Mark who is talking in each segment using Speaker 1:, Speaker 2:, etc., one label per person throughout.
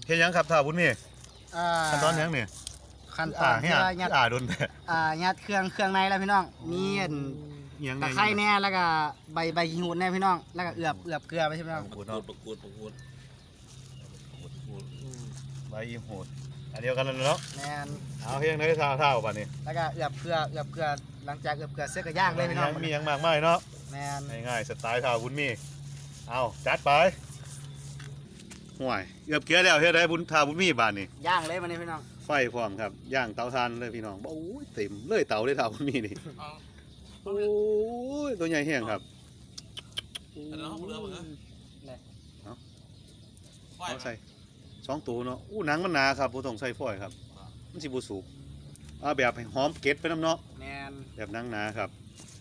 Speaker 1: เฮ็ดยังครับท่าบุญมีขั้นตอนยังนี่
Speaker 2: ขั้นตอนที่ว่ายัด
Speaker 1: โดนแต่
Speaker 2: ยัดเครื่องในแล้วพี่น้องมีตะไคร้แน่แล้วก็ใบขี้หูดแน่พี่น้องแล้วก็เอือบเกลือไปใช่ไหมครับ
Speaker 1: ประกูดใบยี่หูดอันเดียวกันแล้วเนาะ
Speaker 2: แมน
Speaker 1: เอาเพียงได้เท่าป่ะนี่
Speaker 2: แล้วก็เอือบเกลือหลังจากเอือบเกลือเสร็จก็ย่างเลยพี่น้อง
Speaker 1: มียังมากมายเนาะ
Speaker 2: แมน
Speaker 1: ง่ายๆสไตล์ท่าบุญมีเอาจัดไปห่วยเอือบเกลือแล้วเฮ็ดได้บุญท่าบุญมีบาดนี่
Speaker 2: ย่างเลยมันนี่พี่น้อง
Speaker 1: ไฟพร้อมครับย่างเตาถ่านเลยพี่น้องโอ้ยเต็มเลยเตาเลยท่าบุญมีนี่โอ้ยตัวใหญ่แห้งครับเอาใส่2 ตัวเนาะหนังมันหนาครับบ่ต้องใส่ฟอยล์ครับมันสิบ่สุกแบบหอมเก็ดไปน้ำเนาะ
Speaker 2: แมน
Speaker 1: แบบหนังหนาครับ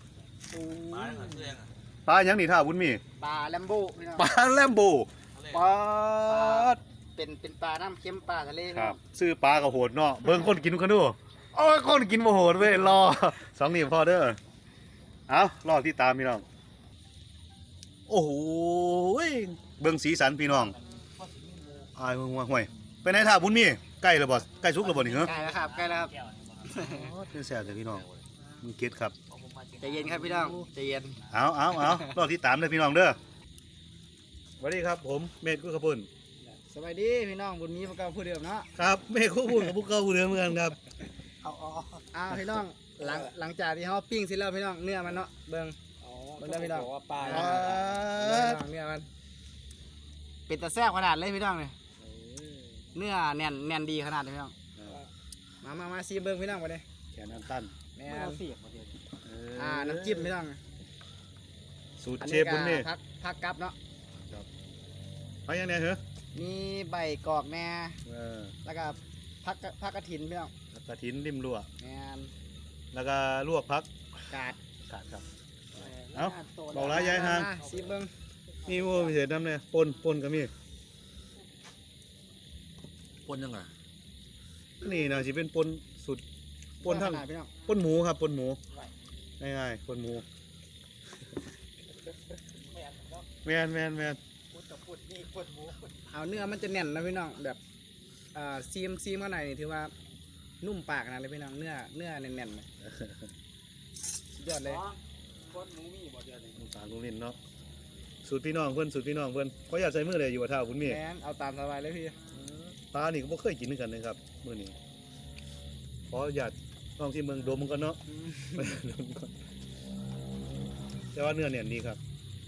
Speaker 1: ปลาหยังนี่ท่าบุญมี
Speaker 2: ปลาแลมโบ
Speaker 1: ปลาแลมโบปลา
Speaker 2: เป็นปลาน้ำเค็มปลาทะเล
Speaker 1: ครับซื้อปลาก็โหดเนาะเบิ่งคนกินกันดูโอ้ยคนกินบ่โหดเว้ยรอ2 นิ้วพอเด้อเอารอที่ตามพี่น้องโอ้โหเบิ่งสีสันพี่น้องห่วยไปไหนท่าบุญมีใกล้แล้วบ่ใกล้สุกแล้วบ่นี่เหรอ
Speaker 2: ใกล้แล้วครับ
Speaker 1: เป็นแซ่บเลยพี่น้องมึงเก็ตครับ
Speaker 2: ใจเย็นครับพี่น้องใจเย็น
Speaker 1: เอารอที่ตามเลยพี่น้องเด้อสวัสดีครับผมเมฆกุ๊กขปุ่น
Speaker 2: สวัสดีพี่น้องบุญมีพวกเราพูดเดิมเนาะ
Speaker 1: ครับเมฆกุ๊กขปุ่นกับพวกเราพูดเดิมเหมือนกันครับ
Speaker 2: พี่น้องหลังจากที่เขาปิ้งเสร็จแล้วพี่น้องเนื้อมันเนาะเบิ่งได้พี่น้อง
Speaker 3: ปลา
Speaker 2: เนื้อมันเป็นตะแซ่บขนาดเลยพี่น้องเนี่ยเนื้อแน่นดีขนาดเลยพี่น้องมาซีเบิ้งพี่น้องมาเลย
Speaker 1: แขนน้ำตั้น
Speaker 2: แม่เสียบน้ำจิ้มพี่น้อง
Speaker 1: สูตรเชฟบุญนี่
Speaker 2: ผักกับเนาะ
Speaker 1: ผักยังไงเหรอ
Speaker 2: มีใบกอกแน่แล้วก็ผักกระถินพี่น้อง
Speaker 1: กระถินริมรั่ว
Speaker 2: แม่
Speaker 1: แล้วก็ลวกผัก
Speaker 2: กาด
Speaker 1: ครับเอาบอกร้ายยายห่าง
Speaker 2: ซีเบิ้ง
Speaker 1: มีวัวพิเศษน้ำเนี่ยปนก็มี
Speaker 3: ปนยังไง
Speaker 1: นี่นะสิเป็นปนสุดปนทั้งปนหมูครับปนหมูง่ายๆปนหมูแมน
Speaker 2: เอาเนื้อมันจะแน่นนะพี่น้องแบบซีมข้างในนี่ถือว่านุ่มปากนะเลยพี่น้องเนื้อแน่นๆเลยยอดเลย
Speaker 3: ปนหมูมีบ่เดียว
Speaker 1: นี่ตาลุงลินเนาะสูตรพี่น้องเพื่อนเขาอยากใส่มือเลยอยู่ว่าเท่าคุณมี
Speaker 2: แมนเอาตามสบายเลยพี่
Speaker 1: ปลานี่ก็ไม่เคยกินด้วยกันเลยครับมื้อนี้ขออยากลองที่เมืองโดมมันก็เนาะแต่ว่าเนื้อเนี่ยดีครับ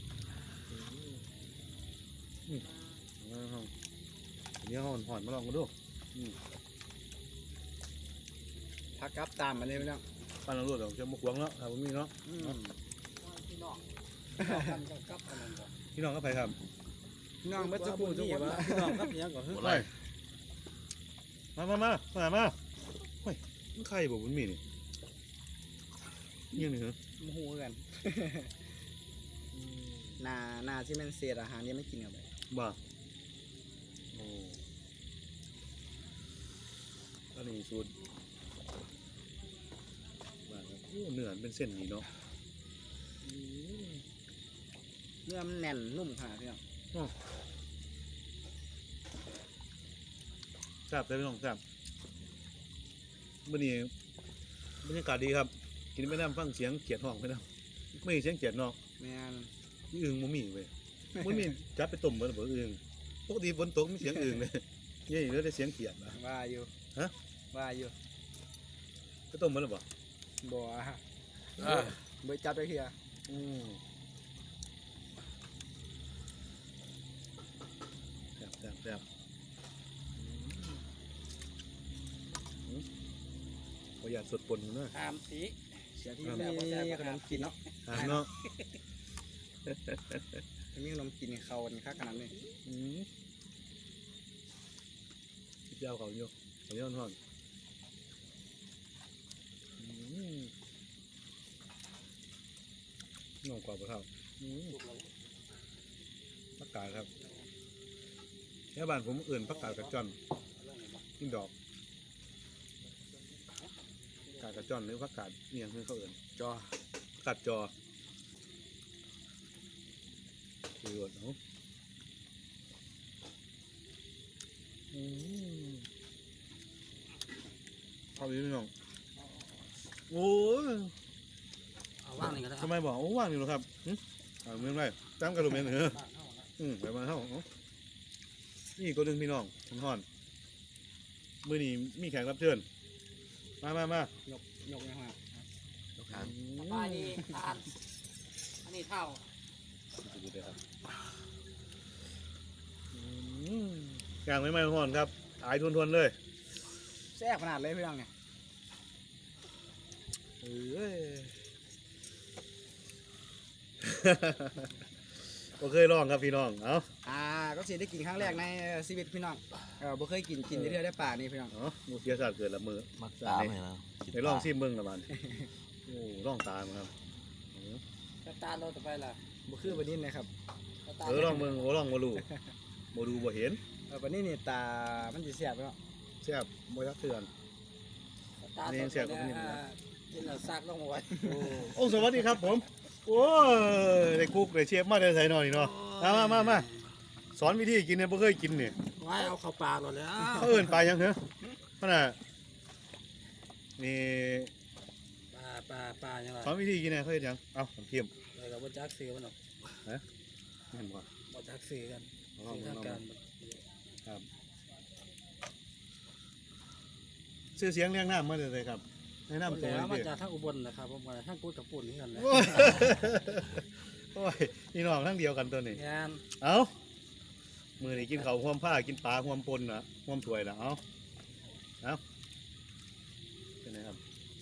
Speaker 1: เนื้อห่อนมาลองกันดู
Speaker 2: ผักกับตามมาเลยพี่น้อง
Speaker 1: ปั้นเราลวดเราจะมาขวางเนาะครับผมมีเนาะ
Speaker 2: พี่น้
Speaker 1: องก็ไปครับ
Speaker 2: พี่น้องเมื่อสักครู่ที่ว่า
Speaker 3: พี่น้องครับยังก่อน
Speaker 1: มาเฮ้ยมันไข่บอกมันมีนี่ยังไงเหรอ
Speaker 2: โมโหกันนาที่มันเศษอาหารนี่ไม่กินกันเลย
Speaker 1: บ้าโอ้อันนี้สูตรบ้าครับโอ้เนื้อเป็นเส้นนี่เนาะ
Speaker 2: เนื้อมันแน่นนุ่มขนาดนี้
Speaker 1: แซ่บเลยพี่น้องแซ่บวันนี้บรรยากาศดีครับกินไม่ได้ฟังเสียงเขียดห้องไม่ได้ไม่มีเสียงเขียดเนาะ
Speaker 2: แม่น
Speaker 1: อึ่งมันมีเว้ยมันมีจับไปต้มเหมือนอึ่งปกติฝนตกมีเสียงอึ่งเลยนี่แล้วได้เสียงเขียดนะ
Speaker 2: ว่าอยู่
Speaker 1: ไปต้มเหมือนหรือเปล่า
Speaker 2: บ่บ่จับไปเฮีย
Speaker 1: แซ่บประหยัดสดปนนะ
Speaker 2: สีเสียที่มีขนมกินเนาะ
Speaker 1: เนาะ
Speaker 2: มีขนมกินเขาค่าขนาดนี้
Speaker 1: เจ้าเขาโยเขาย้อนห่อนน้องกว่าปะครับผักกาดครับแค่บ้านผมอื่นผักกาดกระจอนกินดอกกาดกระจอนหรือผักกาดเนียงคือเขาอื่น
Speaker 2: จอ
Speaker 1: ผักกาดจอคือเนาะเอาอีกพี่น้องโอ้ย
Speaker 3: เอาว่างนี่ก็ได้
Speaker 1: ทำไมบอกโอ้ว่างอยู่หรอครับเอาเมืองไรตามกระดูกเมนเหรอไปมาเท่านี่ตัวหนึ่งพี่น้องคุณฮอนมือนี้มีแขกรับเชิญมาย
Speaker 2: กนะครับ
Speaker 3: ปลานี่ทานอันนี้เท่า
Speaker 1: กลางไม่ฮอนครับอายทวนๆเลย
Speaker 2: แซ่บขนาดเลยพี่น้องเนี่ย
Speaker 1: ก็เคยลองครับพี่น้องเอา
Speaker 2: ก็สิได้กินครั้งแรกในชีวิตพี่น้องบ่เคยกินเทื่อได้ป่านี่พี่น้อง
Speaker 1: มูเสียศาสตร์เกิดละมือ
Speaker 3: มักตามให้แล้ว
Speaker 1: ไปลองซิมเบิ้งละมันโอ้ลองตามครับ
Speaker 3: กระตาโลต่อไปล่ะ
Speaker 2: บ่คือบัดนี้นะครับ
Speaker 1: ลองเบิ้งลองมาดูมาดูบ่เห็น
Speaker 2: บัดนี้นี่ตามันสิแซ่บเนาะ
Speaker 1: แซ่บบ่ยักเตือน
Speaker 3: ตาตัวนี้กินแล้วซักลงไว้
Speaker 1: โอ้สวัสดีครับผมโอ้ยได้คุกได้เชฟมาได้ใส่หน่อยเนาะมาสอนวิธีกินเนี่ยบ่เคยกินเนี่ย
Speaker 3: ไว้เอาเข้าปากหมดแล้ว
Speaker 1: เขาเอิ้นปลายังเหรอขนาดนี่
Speaker 3: ปลายังไง
Speaker 1: สอนวิธีกินเนี่ยเขาเฮ็ดหยังเอ้าผมเทียม
Speaker 3: อะไรกับว่าจักซื้อมันหรอก
Speaker 1: เห็นบ่
Speaker 3: ว่าจักซื้อกัน
Speaker 1: ลอง
Speaker 3: ทางการ
Speaker 1: ครับชื่อเสียงเรียงน้ำมาเลยครับแนะนำตัว
Speaker 3: แล้ว
Speaker 1: ห
Speaker 3: มา
Speaker 1: น่อย
Speaker 3: จากทางอุบลนะครับผมมาทางกูดกับปุ่นนี่กันเลย
Speaker 1: โอ้ยพี่น้องทั้งเดียวกันตัวนี้
Speaker 3: งาน
Speaker 1: เอามือนี่กินเขาวห่วมผ้ากินปลาห่วมปนนะห่วมถ้วยนะเอาเป็นไงครับ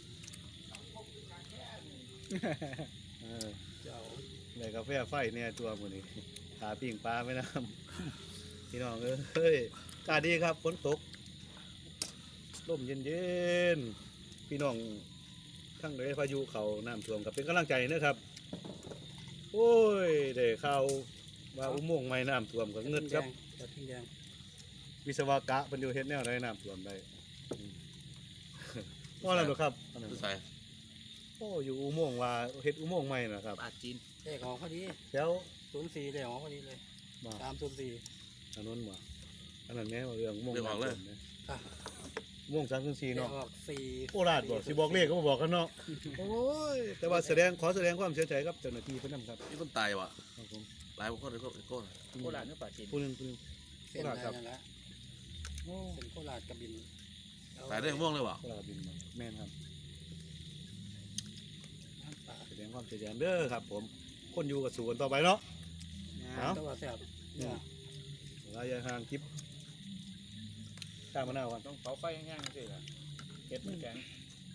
Speaker 3: เจ้า
Speaker 1: เลยกาแฟไฟเนี่ยตัวมือนี่ขาปิ้งปลาไม่น้ำพี่น้องเอ้ยกาดีครับฝนตกลมเย็นๆพี่น้องทั้งเลยพายุเขาน้ำท่วมกับเป็นกำลังใจนะครับโอ้ยเด็กข่าวว่าอุโมงค์ไม่น้ำท่วมกับเงินครับ
Speaker 3: กระทิงแดง
Speaker 1: วิศวกะเป็นอยู่เฮ็ดแนวใดน้ำท่วมได้ว่าอะไรหรอครับ
Speaker 3: ใส่
Speaker 1: โอ้อยู่อุโมงค์ว่าเฮ็ดอุโมงค์ใหม่นะครับ
Speaker 3: ปลาจีนเลขของพอดี
Speaker 1: แล้ว
Speaker 3: 04เลขของพอดีเลย
Speaker 1: มา
Speaker 3: 304
Speaker 1: ถนนมาอันนั้นแม่ว่าเรื่องอุโมงค์
Speaker 3: เรื่องของเลย
Speaker 1: น้ำท่วมนะ
Speaker 3: อ่ะ
Speaker 1: อุโมงค์304
Speaker 3: เลข
Speaker 1: เนาะ
Speaker 3: ออก4
Speaker 1: โคราชบอกสิบอกเลขก็บ่บอกกันเนาะโอ้ยแต่ว่าขอแสดงความเสียใจกับเจ้าหน้าที่เพิ่นนำครับ
Speaker 3: นี่คนตายว่ะ
Speaker 1: ครับผม
Speaker 3: ตายคนเลยก็
Speaker 2: โคราชเนื้อปลาจีน
Speaker 1: ผู้หนึง
Speaker 3: เส้นอะไรนั่นแหละเส้นโคราชกระบิน
Speaker 4: ตายได้ม่วงเลยว่ะ
Speaker 1: โคราชบินมาแม่นครับ
Speaker 3: น้ำปลา
Speaker 1: แสดงความเสียใจเด้อครับ ผมคนอยู่กับสู่กันต่อไปเนาะ เอ้า
Speaker 3: ตัวแซ่บเนี่ย
Speaker 1: ระยะห่างคลิปข้ามมะนาวกัน
Speaker 2: ต้องเผาไฟแห้งๆสิล่ะเฮ็ดมันแข็ง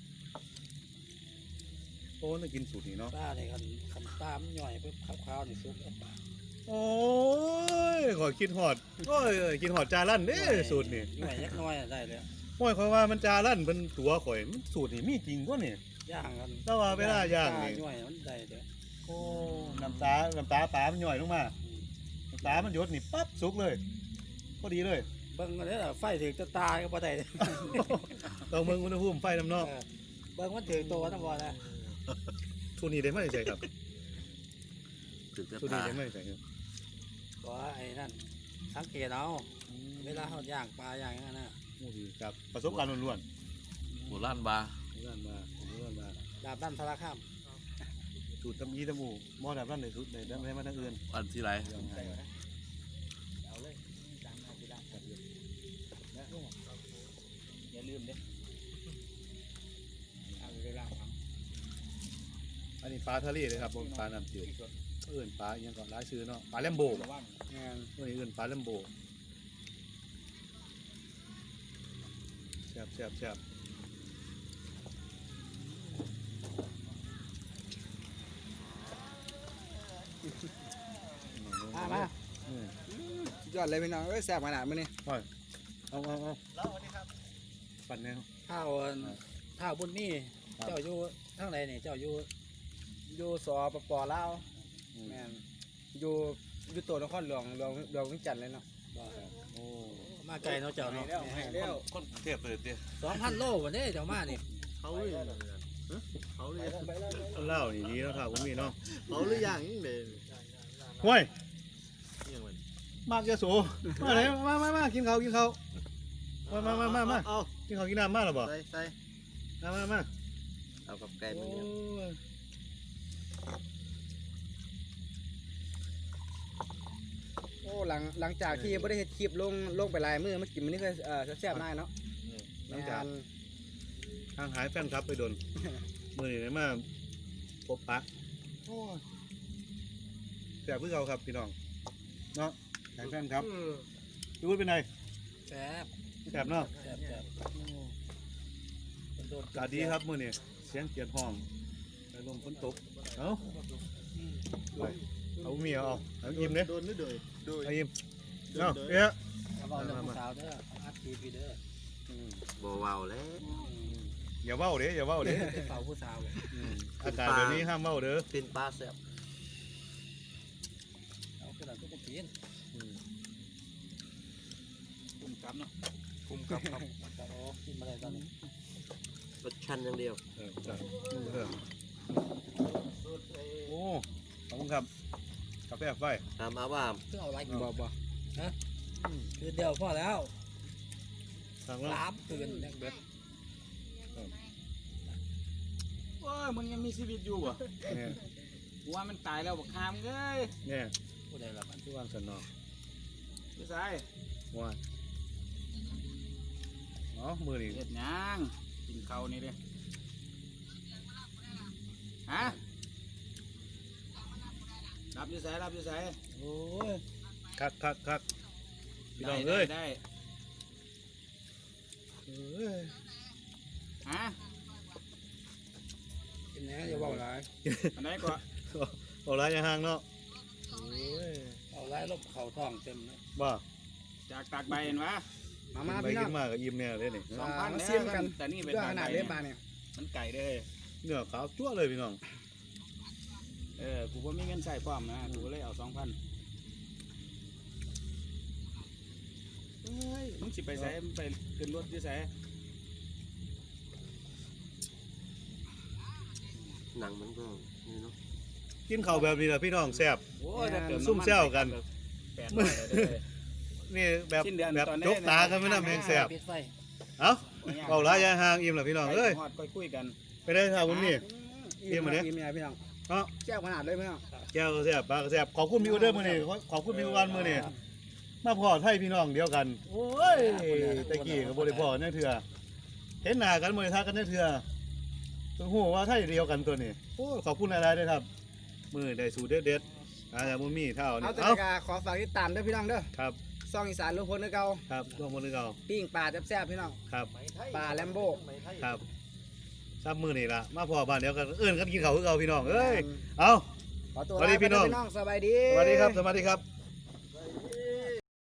Speaker 1: โอ้ต้องกินสูตรนี้เนาะ
Speaker 3: ปลาเนี่ยคันปลามันย่อยปุ๊บขาวๆนี่ซุปแล้วปลา
Speaker 1: โอ้ยขอกินหอดโอ้ยกินหอดจาลั่นเด้สูตรนี่
Speaker 3: ย่อยยักน้อยได้เลย
Speaker 1: โอ้ยขอยว่ามันจาลั่นเป็นตัวข่อยมันสูตรนี่มีจริงกว่านี่
Speaker 3: ย่างกัน
Speaker 1: แต่ว่าเวลาย่างนี่
Speaker 3: ปลย่อยมันได้เลย
Speaker 1: โอ้น้ำตาปลามันย่อยลงมาน้ำตามันหยดนี่ปั๊บสุกเลยพอดีเลย
Speaker 3: เบิ่งมันเนี่ยไฟถึงจะตายก็บ่ได้เลย
Speaker 1: ต้องมึงอุณหภูมิไฟน้ำนอก
Speaker 3: เบิ่งมันถึงตัวนะบ่นะ
Speaker 1: ทุนนี้ได้ไหมใช่ครับ
Speaker 4: ถึงจะ
Speaker 1: ทุนนี้
Speaker 4: ตาย
Speaker 1: ได้ไหมใช่ครับ
Speaker 3: บ่ไอ้นั่นสังเกตเอาเวลาเฮาย่างปลาย่างอย่างนั้นน่ะ
Speaker 1: โอ้ดีครับประสบการณ์ล้วน
Speaker 4: หมูล้านบา
Speaker 1: ๆล้วนมาล้วนมา
Speaker 3: ดาบด้านสารคาม
Speaker 1: สูตรตำอีตำหมูหม้อดับร้านไหนสุดไหนได้มาทางอื่น
Speaker 4: อันที่ไร
Speaker 1: ยังไง
Speaker 2: เอาเลยจานเอาไปได้อย่าลืมเด้เอาไปล้างครับ
Speaker 1: อันนี้ปลาทะเลเลยครับผมปลาน้ำจืดเอื่นปลาอย่างก่อนร้ายซื้อเนาะปลาแลมโบ
Speaker 2: ระวังงาน
Speaker 1: ตัวนี้เอื่นปลาแลมโบแซ่บ
Speaker 2: มา
Speaker 1: อืม
Speaker 2: สุดยอดเลยพี่น้องแซ่บขนาดมื้อนี้
Speaker 1: เอาแล้ววันนี้ครับปั่นแนว
Speaker 3: ข้าวบุญมีเจ้าอยู่ทางไหนนี่เจ้าอยู่
Speaker 2: อยู่สปปลาวแม่นอยู่ตัวนครหลวงเวียงจันทน์เลยเนาะ
Speaker 3: บ่
Speaker 1: โอ้
Speaker 3: มาไกลเนาะเจ้าเนาะ
Speaker 2: ให้แล้ว
Speaker 4: คนเทียบเลยเตี้ย
Speaker 3: 2,000 โลวันนี้เจ้ามานี่
Speaker 4: เขาเลยเขาเลย
Speaker 1: เล่านี่ดีแล้วครับผมมีเนาะ
Speaker 4: เขาหรือยังยิ่งเลย
Speaker 1: ห้วย
Speaker 4: ยังไง
Speaker 1: มากจะโสมาไหนมากินข้าวมา
Speaker 4: เอา
Speaker 1: กินข้าวกินน้ำมาหรอบ่
Speaker 4: ใส่
Speaker 1: มา
Speaker 4: เอากับไก่
Speaker 1: โอ้
Speaker 4: มันเนี่ย
Speaker 1: ย
Speaker 2: โอ้หลังจากที่บ่ได้เฮ็ดคลิปลงไปหลายมื้อมากินมื้อนี้ก็แซ่บๆมากเนาะ
Speaker 1: หลังจากทางหายแฟนครับไปโดน มือนี่เลยมาพบปะโอ้ยแซ่บเพื่อเราครับพี่น้องเนาะหายแฟนครับพี่วุฒิเป็นไง
Speaker 3: แซ่บ
Speaker 1: แซ่บเนาะ
Speaker 3: แซ่บแซ่บโดน
Speaker 1: อากาศดีครับมือนี่เสียงเกียรห้องไปลมฝนตกเอาไปเอาเมียเอายิ้มเนี่ย
Speaker 4: โดนนี่เลยโดย
Speaker 1: เอายิ้มเอาเอ๊ะ
Speaker 3: เอาบอกเรื่องผู้สาวเด้ออัดคลิปอยู่เด้อ
Speaker 4: บ่เว้าแล้ว
Speaker 1: อย่าเว้าเด้อย่าเว้าเด้
Speaker 3: ไปเฝ้าผู้สาว
Speaker 1: อากาศแบบนี้ห้ามเว้าเด้อ
Speaker 4: เป็นปลาแซ่บ
Speaker 3: เอาขึ้นหลังก็จะกิน
Speaker 2: คุมกับเนาะ
Speaker 4: คุ้มกับครับ
Speaker 3: แต่โอ้กินมาได้ตอนนี้
Speaker 4: รสชันอย่างเดียว
Speaker 1: โอ้ขอบคุณครับกาแฟไฟ
Speaker 4: ถามอาว่า
Speaker 3: เพื่อเอาอะไรกิน
Speaker 2: บ่
Speaker 3: คือเดียวพอแล้ว
Speaker 1: ทางแล้ว
Speaker 3: 3คืนแดงเบิด
Speaker 2: โอ้ยมึงยังมีชีวิตอยู่บ่
Speaker 1: เนี่ย
Speaker 2: กูว่ามันตายแล้วบักคามเอ้ย
Speaker 1: เนี่ย
Speaker 3: ผู้ใดล่ะมัน
Speaker 1: ที่วางสนอ
Speaker 2: พี่ชาย
Speaker 1: ว่าอ๋อมือนี่
Speaker 2: เฮ็ดหยังกินข้าวนี่เด้ฮะรับอยู่ไส
Speaker 3: โอ้ย
Speaker 1: คักพี่น้องเอ้ย
Speaker 2: ได้
Speaker 1: เอ้ย
Speaker 2: ฮะ
Speaker 3: กินแหน่อย่าเว้าหลาย
Speaker 2: อันไหนก็
Speaker 1: เอาไรอย่าห่างเนาะโอ้ย
Speaker 3: เอาหลายลบเข่าท้องเต็มเลย
Speaker 1: บ้า
Speaker 2: จากตากใบเห็นวะมา
Speaker 1: ไป
Speaker 2: พี่น้
Speaker 1: กิ
Speaker 2: อง
Speaker 1: นมากกับอิ่มเนี่ยเลยนี่
Speaker 2: 2,000
Speaker 3: มา
Speaker 2: เด้
Speaker 3: เสี่ยงกัน
Speaker 2: แต่นี่เป็น
Speaker 3: เรื่องขนาดเล่นปลาเนี่ย
Speaker 2: มันไก่เด้อ
Speaker 1: เนื้อขาวจั่วเลยพี่น้อง
Speaker 2: กูบ่มีเงินใส่พร้อมนะกูเลยเอา 2,000เฮ้ยมึงสิไปไสมึงไปขึ้นรถอยู่ไส
Speaker 4: หนังมันก็นี่เนาะ
Speaker 1: กินข้าวแบบนี้แหละพี่น้องแซ่บ
Speaker 2: โอ้ยถ้าเกิด
Speaker 1: ซุ่มแซวกัน
Speaker 2: 800เลยเด้อ
Speaker 1: นี่แบบ
Speaker 2: สิ้นเดือน
Speaker 1: แบบ
Speaker 2: ตอนนี้
Speaker 1: จกตากันไม่น่าแมงแซ่บ
Speaker 3: ปิดไฟ
Speaker 1: เอ้าเอาไรอย่าห่างอิ่มละพี่น้องเอ้ย
Speaker 2: ฮอดค่อยคุยกัน
Speaker 1: ไปได้ท่าบุญนี่
Speaker 2: อิ่มเนี่ยพี่น้อง
Speaker 1: เอ้า
Speaker 2: แก้วขนาดเลยพี่น้อง
Speaker 1: แก้วก็แซ่บปลาก็แซ่บขอบคุณพี่อุเดอร์มื้อนี้ขอบคุณพี่วันมื้อนี้มาพอไทยพี่น้องเดียวกันโอ้ยตะกี้ก็บ่ได้พอจังเทื่อเห็นหน้ากันบ่ได้ทักกันจังเทื่อเพิ่งฮู้ว่าไทยเดียวกันตัวนี้โอ้ยขอบคุณหลายๆด้วยครับ มื้อได้สูตรเด็ดๆอาจจะบ่มีเท่านี้
Speaker 2: เอาแต่
Speaker 1: เอ้า
Speaker 2: กาขอฝากติดตามด้วยพี่น้องเด้อ
Speaker 1: ครับ
Speaker 2: ซองอีสานลุงพลเด้อเก่า
Speaker 1: ครับร่วมมือเก่า
Speaker 2: ปิ้งปลาแซ่บๆพี่น้อง
Speaker 1: ครับ
Speaker 2: ปลาแลมโบ
Speaker 1: ครับซับมื้อนี่ล่ะมาพอบ้านเดียวกันเอิ้นกันกินข้าวคือเก่าพี่น้องเอ้ยเอ้า
Speaker 2: ขอตัว
Speaker 1: สวัสดีพี่น้อง
Speaker 2: สบายดี
Speaker 1: สวัสดีครับ